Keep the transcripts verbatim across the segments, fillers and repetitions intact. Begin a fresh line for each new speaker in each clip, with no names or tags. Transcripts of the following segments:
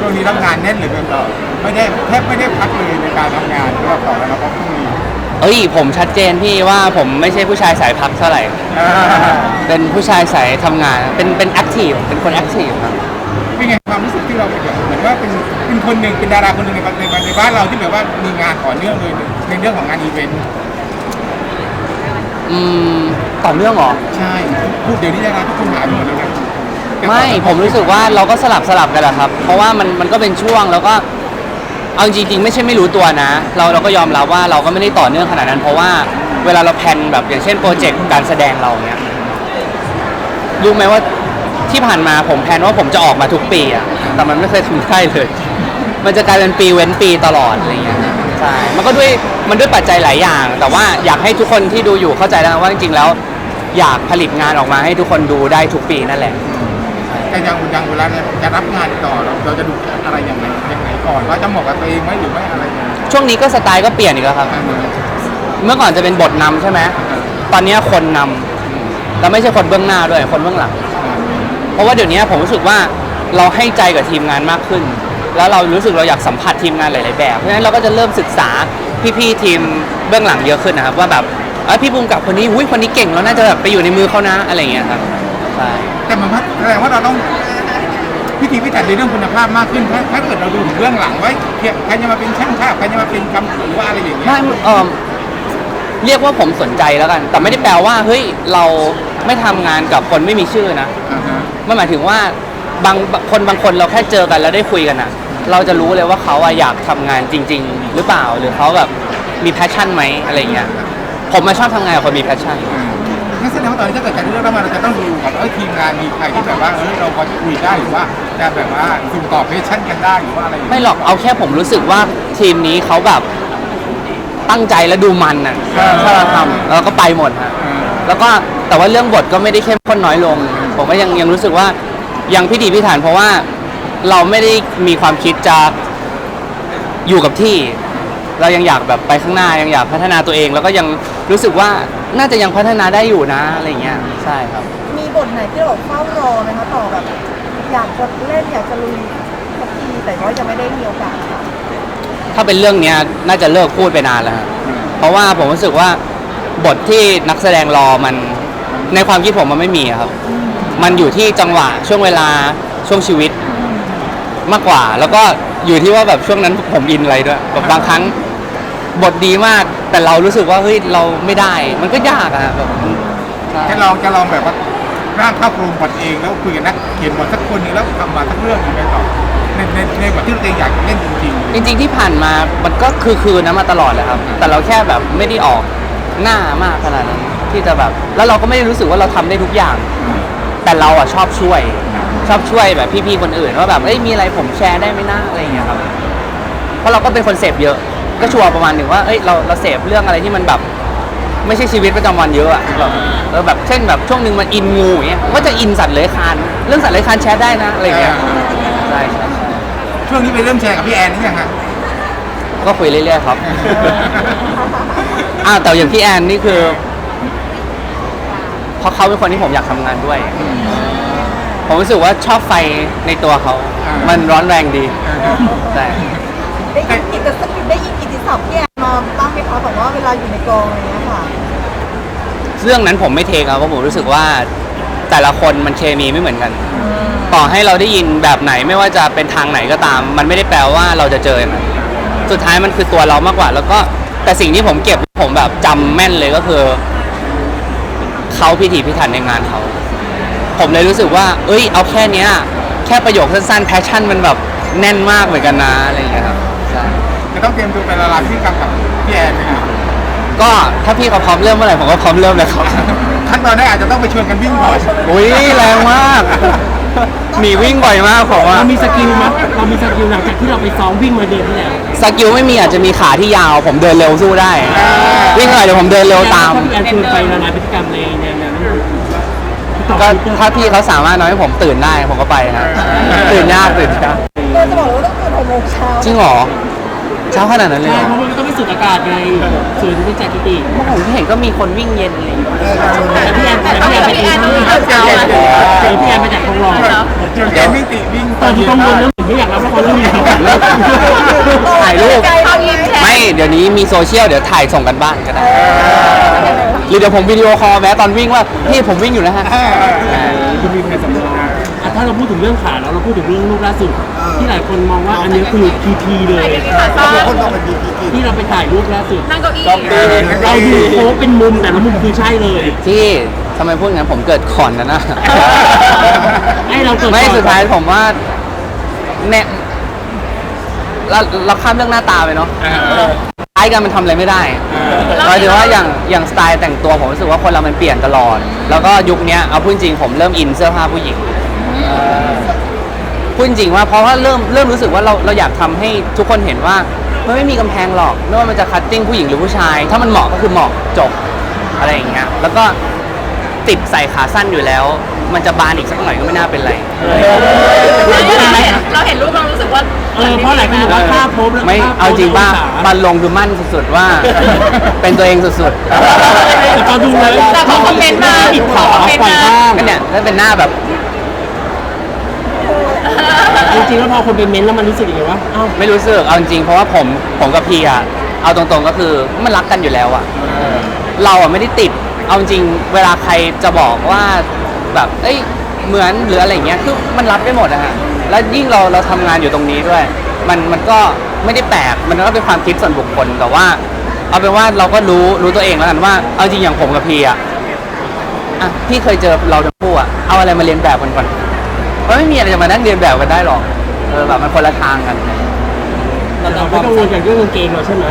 ช่วงนี้รับงานแน่นเหลือเกินต่อไม่ได้แทบไม่ได้พักเลยในการทำงานรอบต่อแล้วนะครับพรุ่งนี้
เอ้ยผมชัดเจนพี่ว่าผมไม่ใช่ผู้ชายสายพักเท่าไหร่
อ่า
เป็นผู้ชายสายทำงานเป็นเป็นแอคทีฟเป็นคนแอคทีฟครับ
เป็นไงความรู้สึกที่เราเป็นแบบเหมือนว่าเป็นเป็นคนหนึ่งเป็นดาราคนหนึ่งในในในบ้านเราที่แบบว่ามีงานต่อเนื่องเลยในเรื่องของงานอีเวนต์
อืมต่อเนื่องเหรอ
ใช่พูดเดี๋ยวนี้ดาราทุกคนหายไปหมดเลยนะ
ไม่ผมรู้สึกว่าเราก็สลับสลับกันแหละครับเพราะว่ามันมันก็เป็นช่วงแล้วก็เอาจริงๆไม่ใช่ไม่รู้ตัวนะ เราเราก็ยอมรับว่าเราก็ไม่ได้ต่อเนื่องขนาดนั้นเพราะว่าเวลาเราแพลนแบบอย่างเช่นโปรเจกต์การแสดงเราเนี้ยรู้ไหมว่าที่ผ่านมาผมแพลนว่าผมจะออกมาทุกปีอะแต่มันไม่เคยทำได้เลย มันจะกลายเป็นปีเว้นปีตลอดอะไรเงี้ยใช่มันก็ด้วยมันด้วยปัจจัยหลายอย่าง แต่ว่าอยากให้ทุกคนที่ดูอยู่เข้าใจนะว่าจริงๆแล้วอยากผลิตงานออกมาให้ทุกคนดูได้ทุกปีนั่นแหละ
แต่ยังยังเวลาจะรับงานต่อเราเราจะดูอะไรยังไงยังไงก่อนว่าจะเหมาะกับตัวเองไหมหรือไม่อะไรยังไง
ช่วงนี้ก็สไตล์ก็เปลี่ยนอีกแล้วครับ เมื่อก่อนจะเป็นบทนำใช่ไหมตอนนี้คนนำแล้วไม่ใช่คนเบื้องหน้าด้วยคนเบื้องหลังเพราะว่าเดี๋ยวนี้ผมรู้สึกว่าเราให้ใจกับทีมงานมากขึ้น แล้วเรารู้สึกเราอยากสัมผัสทีมงานหลายๆแบบเพราะฉะนั้นเราก็จะเริ่มศึกษาพี่ๆทีมเบื้องหลังเยอะขึ้นนะครับว่าแบบเอ้ยพี่ภูมิกับคนนี้อุ้ยคนนี้เก่งแล้วน่าจะแบบไปอยู่ในมือเขานะอะไรอย่างเงี้ยครับใช่
แต่มันแสดงว่าเราต้องพิธีพิถันในเรื่องคุณภาพมากขึ้นถ้าถ้าเกิดเราดูถึงเรื่องหลังไว้ใครจะมาเป็นช่างภาพใครจะมาเป็นกำกับหรือว่าอะไรอย่างเงี้ย
ไม่เออเรียกว่าผมสนใจแล้วกัน แต่ไม่ได้แปลว่าเฮ้ยเราไม่ทำงานกับคนไม่มีชื่อนะ
อ่าฮะ
มันหมายถึงว่าบางคนบางคนเราแค่เจอกันแล้วได้คุยกันอะเราจะรู้เลยว่าเขาอะอยากทำงานจริง ๆ หรือเปล่าหรือเขาแบบมีแพชชั่นไหมอะไรเงี้ยผมมาชอบทำงานกับคนมีแพชชั่น
อืมงั้นแสดงว่าตอนนี้ถ้าเกิดการเลือกแล้วมาเราจะต้องดูก่อนว่าเออทีมงานมีใครที่แบบว่าเออเราพอจะคุยได้หรือว่าจะแบบว่าสุ่มตอบเพชชั่นกันได้หรือว่าอะไรอย่าง
ไม่
เงี้ย
หรอกเอาแค่ผมรู้สึกว่าทีมนี้เขาแบบตั้งใจและดูมันอะถ้าเราทำเราก็ไปหมดฮะ
เออ
แล้วก็แต่ว่าเรื่องบทก็ไม่ได้เข้มข้นน้อยลง ผมก็ยังยังรู้สึกว่ายังพิถีพิถันเพราะว่าเราไม่ได้มีความคิดจะอยู่กับที่ เรายังอยากแบบไปข้างหน้ายังอยากพัฒนาตัวเอง แล้วก็ยังรู้สึกว่าน่าจะยังพัฒนาได้อยู่นะอะไรเงี้ยใช่ครับ
มีบทไหนที่เราเฝ้ารอไหมคะต่อแบบอยากจะเล่นอยากจะลุยสักทีแต่ก็ยังไม่ได้มีโอกาส
ถ้าเป็นเรื่องเนี้ยน่าจะเลิกพูดไปนานแล้วฮะเพราะว่าผมรู้สึกว่าบทที่นักแสดงรอมันในความคิดผมมันไม่มีอะครับ มันอยู่ที่จังหวะช่วงเวลาช่วงชีวิตมากกว่า แล้วก็อยู่ที่ว่าแบบช่วงนั้นผมอินอะไรด้วยแบบบางครั้งบทดีมากแต่เรารู้สึกว่าเฮ้ยเราไม่ได้ มันก็ยากอะแบบใช่
จะลองจะลองแบบว่าร่างภาพรวมบทเองแล้วคุยกันนักเขียนบทสักคนหนึงแล้วทำมาสักเรื่องหนึงไปต่อในในในบทที่ตัวเองอยากเล่นจริงๆ
จริงๆที่ผ่านมามันก็คือคืนนะมาตลอดเลยครับ แต่เราแค่แบบไม่ได้ออกหน้ามากขนาดนั้นที่จะแบบแล้วเราก็ไม่ได้รู้สึกว่าเราทำได้ทุกอย่าง แต่เราอ่ะชอบช่วย ชอบช่วยแบบพี่ๆคนอื่นว่าแบบเอ้ยมีอะไรผมแชร์ได้ไหมนะอะไรอย่างเงี้ยครับเพราะเราก็เป็นคนเสพเยอะ ก็ชัวร์ประมาณหนึ่งว่าเอ้ยเราเราเสพเรื่องอะไรที่มันแบบ ไม่ใช่ชีวิตประจำวันเยอะอะแบบเออแบบเช่นแบบช่วงหนึ่งมันอินงูอย่างเงี้ยก็จะอินสัตว์เลื้อยคลานเรื่องสัตว์เลื้อยคลานแชร์ได้นะอะไรอย่างเงี้ยใช่ใช่ใช่
ช่วงนี้ไปเริ่มแชร์กับพี่แอนนี่ยังฮะ
ก็คุยเรื่อยๆครับ อ้าวแต่อย่างพี่แอนนี่คือเพราะเขาเป็นคนที่ผมอยากทำงานด้วย ผมรู้สึกว่าชอบไฟในตัวเขา มันร้อนแรงดีใช่
ได้ยินกิตติศัพท์ได้ยินกิตติศัพท์พี่แอนมาบ้างไหมคะแบบว่าเวลาอยู่ในกองอะไรเงี้ยค่ะ
เรื่องนั้นผมไม่เทคครับเพราะผมรู้สึกว่าแต่ละคนมันเคมีไม่เหมือนกัน ต่อให้เราได้ยินแบบไหนไม่ว่าจะเป็นทางไหนก็ตาม มันไม่ได้แปลว่าเราจะเจออย่างนั้นสุดท้ายมันคือตัวเรามากกว่า แล้วก็แต่สิ่งที่ผมเก็บผมแบบจำแม่นเลยก็คือเขาพิถีพิถันในงานเขาผมเลยรู้สึกว่า เอ้ยเอาแค่เนี้ยแค่ประโยคสั้นๆแพชชั่นมันแบบแน่นมากเหมือนกันนะอะไรอย่างเงี้ยครับใช่
จะต้องเตรียมตัวไปละลายที่กำกับพี่แอนนะครับ
ก็ถ้าพี่เขาพร้อมเริ่มเมื่อไหร่ผมก็พร้อมเริ่มเลยครับ
ขั้นตอนแรกอาจจะต้องไปชวนกันวิ่งก่อน
อุ้ยแรงมากหนีวิ่งบ่อยมากผมว่า
เรามีสกิลมั้ยเรามีสกิลหลังจากที่เราไปซ้อมวิ่งมาเดือนที่แล้ว
สกิลไม่มีอาจจะมีขาที่ยาวผมเดินเร็วสู้ได้ วิ่งหน่อยเดี๋ยวผมเดินเร็วตาม
แอนคือไปละลายพฤติกรรมในแนวนั้น
ก็ถ้าพี่เขาสามารถทำให้ผมตื่นได้ผมก็ไปนะตื่นยากตื่นยาก
เราจะบอกเลยว่าต้องตื่นหกโมงเช้า
จริงเหรอเช้าขนาดนั้นเลย
ใช่
เหรอ
เพราะมันต้องไปสูดอากาศไงสูดเป็นจากกิติ
เมื่อผมเห็นก็มีคนวิ่งเย็นอะไรอย่างเงี้ย
แต่พี่แอนแต่พี่แอนไปเองที่เช้าเจอพี่แอนมาจากทองหล่อ
ชวนแกวิ่งติวิ่ง
ตอนที่กังวลเรื่องเวไม่อยากรับละครเรื่องนี้
ถ่ายรูป
เอายิงแชร์
ไม่เดี๋ยวนี้มีโซเชียลเดี๋ยวถ่ายส่งกันบ้านก็ได้หรือเดี๋ยวผมวิดีโอคอลแม้ตอนวิ่งว่าพี่ผมวิ่งอยู่นะฮะ
คุณมีแผนสำรอง
อ่ะถ้าเราพูดถึงเรื่องขาแล้วเราพูดถึงเรื่องลูกล่าสุดที่หลายคนมองว่าอันนี้คือพีพีเลย
คนต้องเป็นดีพี
ที่เราไปถ่ายรูปล่าสุด
นั่งเก้าอี้
เราดูโค้งเป็นมุมแต่ละมุมคือใช่เลย
ที่ทำไมพูดงั้นผมเกิดขอนนะนะ
ให้เราเกิด
ไม่สุดท้ายผมว่าเนี่ยเราเราข้ามเรื่องหน้าตาไปเนาะคล้ายกันมันทำอะไรไม่ได้หมายถึงว่าอย่างอย่างสไตล์แต่งตัวผมรู้สึกว่าคนเรามันเปลี่ยนตลอด แล้วก็ยุคนี้เอาพูดจริงผมเริ่มอินเสื้อผ้าผู้หญิงพูดจริงว่าเพราะว่าเริ่มเริ่มรู้สึกว่าเราเราอยากทำให้ทุกคนเห็นว่ามันไม่มีกำแพงหรอกไม่ว่ามันจะคัตติ้งผู้หญิงหรือผู้ชาย ถ้ามันเหมาะก็คือเหมาะจบอะไรอย่างเงี้ยแล้วก็ติดใส่ขาสั้นอยู่แล้ว มันจะบานอีกสักหน่อยก็ไม่น่าเป็นไร
เราเห็นรูปเรารู้สึกว่า
เออเพราะหลายคนบอกว่าภาพโพส
ไม่เอาจริงป่ะบันลงคือมั่นสุดๆว่า เป็นตัวเองสุด
แต่ก็ดูเลย
แต่พอคอมเมนต์มา
ปิดขา
คอมเมนต์
ปล่อย
มา
บ้าง
ๆก็เนี่ยแล้วเป็นหน้าแบบ
จริงๆแล้วพอคนไปเม้นต์แล้วมันรู้สึกยังไงวะอ้าว
ไม่รู้สึกเอาจริงๆเพราะว่าผมผมกับพีอะเอาตรงๆก็คือมันรักกันอยู่แล้วอะเราอะไม่ได้ติดเอาจริงเวลาใครจะบอกว่าแบบเอ้ยเหมือนหรืออะไรเงี้ยคือมันรับได้หมดอะฮะแล้วยิ่งเราเราทำงานอยู่ตรงนี้ด้วย มันมันก็ไม่ได้แปลกมันก็เป็นความคิดส่วนบุคคลแต่ว่า เอาเป็นว่าเราก็รู้รู้ตัวเองแล้วกันว่าเอาจริงอย่างผมกับพีอะอ่ะพี่เคยเจอเราทั้งคู่อะเอาอะไรมาเรียนแบบกันก่อนมันไม่มีอะไรจะมานั่งเรียนแบบกันได้หรอกเออแบบมันคนละทางกัน
เราไม่กังวลกับเรื่องกางเกงเราใช่ไหม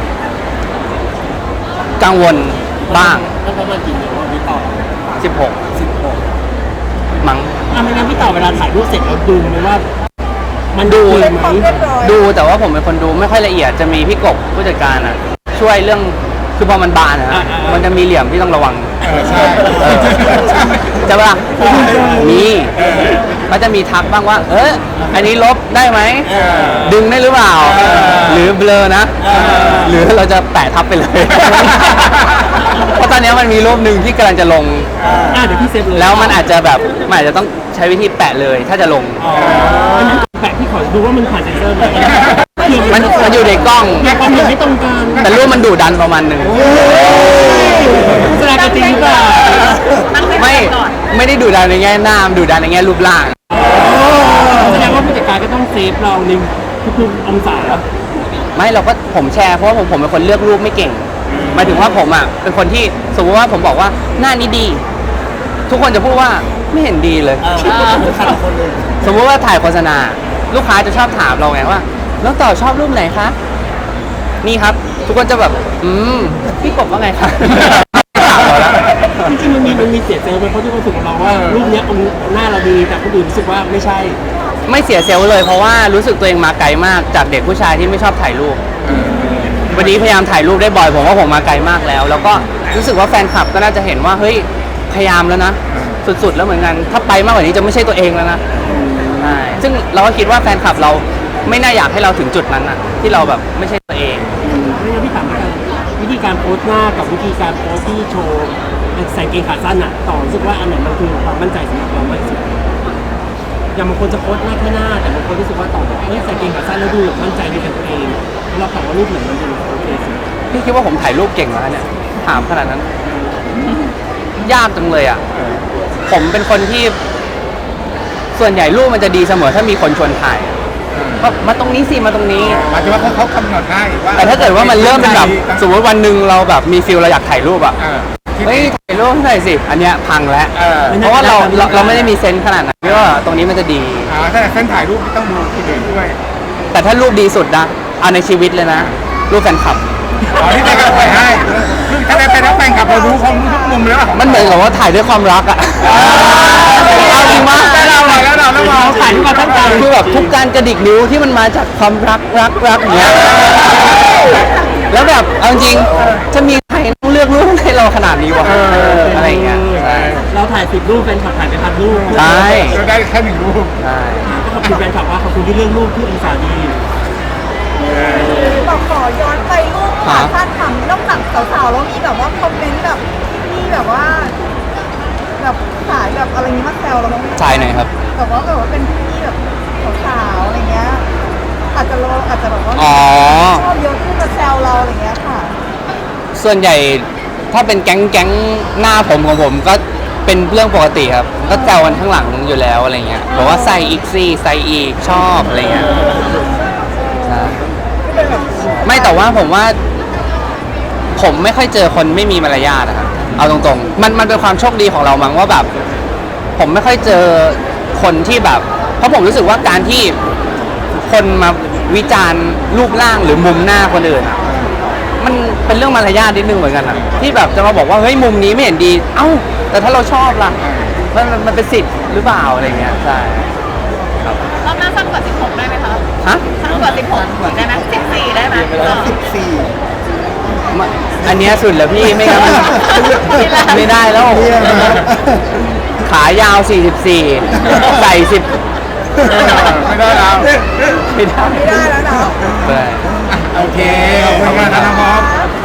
กังวลบ้าง
แล้วประมาณกี่เดือนพี่ต่อ
สิบหก
สิบหก
มั้ง
อ่ะไม่งั้นพี่ต่อเวลาถ่ายรูปเสร็จเราดูไหมว่า มัน
ดู
ดี
เป็น
ไหม
ความเรียบร้อย
ดูแต่ว่าผมเป็นคนดูไม่ค่อยละเอียดจะมีพี่กบผู้จัดการอ่ะ ช่วยเรื่องคือพอมันบานอะฮะมันจะมีเหลี่ยมที่ต้องระวัง
ใช่
เออใช่ปะล่ะมีเขาจะมีทักบ้างว่า เอออันนี้ลบได้ไหมดึงได้หรือเปล่า หรือเบลอนะ หรือเราจะแปะทับไปเลย เพราะตอนนี้มันมีรูปหนึ่งที่กำลังจะลง
อ่ะเดี๋ยวพี่เซฟเลย
แล้วมันอาจจะแบบมันอาจจะต้องใช้วิธีแปะเลย ถ้าจะลง
อันนั้นแปะพี่ขอดูว่ามันผ่านเซ็นเซอร์ไหม
มันมันอยู่ในกล้อง
แต่ความเห็นไม่ตรงกัน
แต่รูปมันดุดันประมาณหนึ่ง
แสดงกันจริงหรือเปล่า
ไม่ไม่ได้ดุดันในแง่หน้ามันดุดันในแง่รูปร่าง
แสดงว่าผู้จัดการก็ต้องเซฟเราในทุกๆองศา
ไม่เราก็ผมแชร์เพราะว่าผมผมเป็นคนเลือกรูปไม่เก่งหมายถึงว่าผมอ่ะเป็นคนที่สมมติว่าผมบอกว่าหน้านี้ดี ทุกคนจะพูดว่าไม่เห็นดีเลย สมมติว่าถ่ายโฆษณา ลูกค้าจะชอบถามเราไงว่าแล้วต่อชอบรูปไหนคะนี่ครับ ทุกคนจะแบบอืมพี่กบว่าไงคะถามเราแล้ว
จริงๆมันมีมันมีเสียเซลล์ไหมเพราะที่คนรู้สึกกับเราว่ารูปเนี้ยองค์หน้าเราดีแต่คนอื่นรู้สึกว่าไม่ใช่
ไม่เสียเซลล์เลยเพราะว่ารู้สึกตัวเองมาไกลมากจากเด็กผู้ชายที่ไม่ชอบถ่ายรูป วันนี้พยายามถ่ายรูปได้บ่อยผมว่าผมมาไกลมากแล้ว แล้วก็รู้สึกว่าแฟนคลับก็น่าจะเห็นว่าเฮ้ยพยายามแล้วนะ สุดๆแล้วเหมือนกันถ้าไปมากกว่านี้จะไม่ใช่ตัวเองแล้วนะใช่ซึ่งเราก็คิดว่าแฟนคลับเราไม่น่าอยากให้เราถึงจุดนั้นนะที่เราแบบไม่ใช่ตัวเอง
ไม่งั้นพี่ถามว่าวิธีการโพสต์หน้ากับวิธีการโพสต์ที่โชว์ใส่เกงขาสั้นอะต่อรู้สึกว่าอันไหนมันคือความมั่นใจสำหรับเรามากที่สุดอย่างบางคนจะโพสต์หน้าแค่หน้าแต่บางคนรู้สึกว่าต่อเอ้ยใส่เกงขาสั้นแล้วดูแบบมั่นใจในตัวเองแล้วเราถามว่ารูปไหนมันดูโอเคสุด
พี่คิดว่าผมถ่ายรูปเก่งแล้วเนี่ยถามขนาดนั้น ยากจังเลยอ่ะผมเป็นคนที่ ส่วนใหญ่รูปมันจะดีเสมอถ้ามีคนชวนถ่ายก็มาตรงนี้สิมาตรงนี้
หมายถึงว่าเขาเขากำหนดให้ว่า
แต่ถ้าเกิดว่ามันเริ่มเป็นแบบสมมติวันหนึ่งเราแบบมีฟิลเราอยากถ่ายรูปอ่ะ
เออ
เฮ้ยถ่ายรูปให้หน่อยสิ อันเนี้ยพังแล้ว
เออ
เพราะว่าเราเราเราไม่ได้มีเซนส์ขนาดนั้นว่าตรงนี้มันจะดี
อ่าถ้าเส้นถ่ายรูปต้องดูคนอื่นด้วย
แต่ถ้ารูปดีสุดนะเอาในชีวิตเลยนะ รูปแฟนคลับ
อ๋อที่ได้กลับไปให้คือถ้าได้ไปรับแฟนกลับเรารู้เขารู้ทุกมุมแล้ว
มันเหมือนกับว่าถ่ายด้วยความรักอ่ะเอาจริงมาก
แล้วเราแล้วเราแล้วเรา
เราถ่ายด้วยความตั้งใจ
คือแบบทุกการกระดิกนิ้วที่มันมาจากความรักรักรักอย่างเงี้ย แล้วแบบเอาจริงจะมีใครต้องเลือกรูปให้เราขนาดนี้วะอะไรอย่างเงี้ยใช่
เราถ่ายสิบรูปแฟนคลับถ่ายไปพันรูป
ใช่
เราได้แค่หนึ่งรูป
ใช่
ก็ขอบคุณแฟนคลับว่าขอบคุณที่เลือกรูปที่องศาดี
บอกขอย้อนไปรูปขาสั้นทำนอกจากสาวๆแล้วมีแบบว่าคอมเมนต์แบบมีแบบว่า แบบสายแบบอะไรนี้มาแซวเราบ้างไหม
ชายหน่อยครับ
แบบว่าแบบว่าเป็นพี่แบบสาวๆอะไรเงี้ย
ส่วนใหญ่ถ้าเป็นแก๊งแก๊งหน้าผมของผมก็เป็นเรื่องปกติครับ ก็แซวกันข้างหลังอยู่แล้วอะไรเงี้ยบอกว่าใส่อีกซี่ใส่อีกชอบอะไรเงี้ยใช่ไม่แต่ว่าผมว่า ผมไม่ค่อยเจอคนไม่มีมารยาทนะครับเอาตรงๆมันมันเป็นความโชคดีของเรามั้งว่าแบบ ผมไม่ค่อยเจอคนที่แบบ เพราะผมรู้สึกว่าการที่คนมาวิจารณ์รูปร่างหรือมุมหน้าคนอื่นอะมันเป็นเรื่องมารยาทนิดนึงเหมือนกันอะที่แบบจะมาบอกว่าเฮ้ยมุมนี้ไม่เห็นดี เอ้า แต่ถ้าเราชอบล่ะมันมันมันเป็นสิทธิ์หรือเปล่าอะไรเงี้ยใช่ครับ
รอบหน้าสั้นกว่าสิบหกได้ไหมคะ
ฮะ
สั้นกว่าสิบหกได้ไหมสิบสี่ได้ไหม
สิบสี่
มาอันเนี้ยสุดแล้วพี่ไม่งั้นมันไม่ได้แล้ว ขายาว สี่สิบสี่ ใส่สิบ
ไม่ได้แล้ว
ไม่ได้
ไม่ได้แล้วเนาะ
ใช่
โอเคขอบคุณ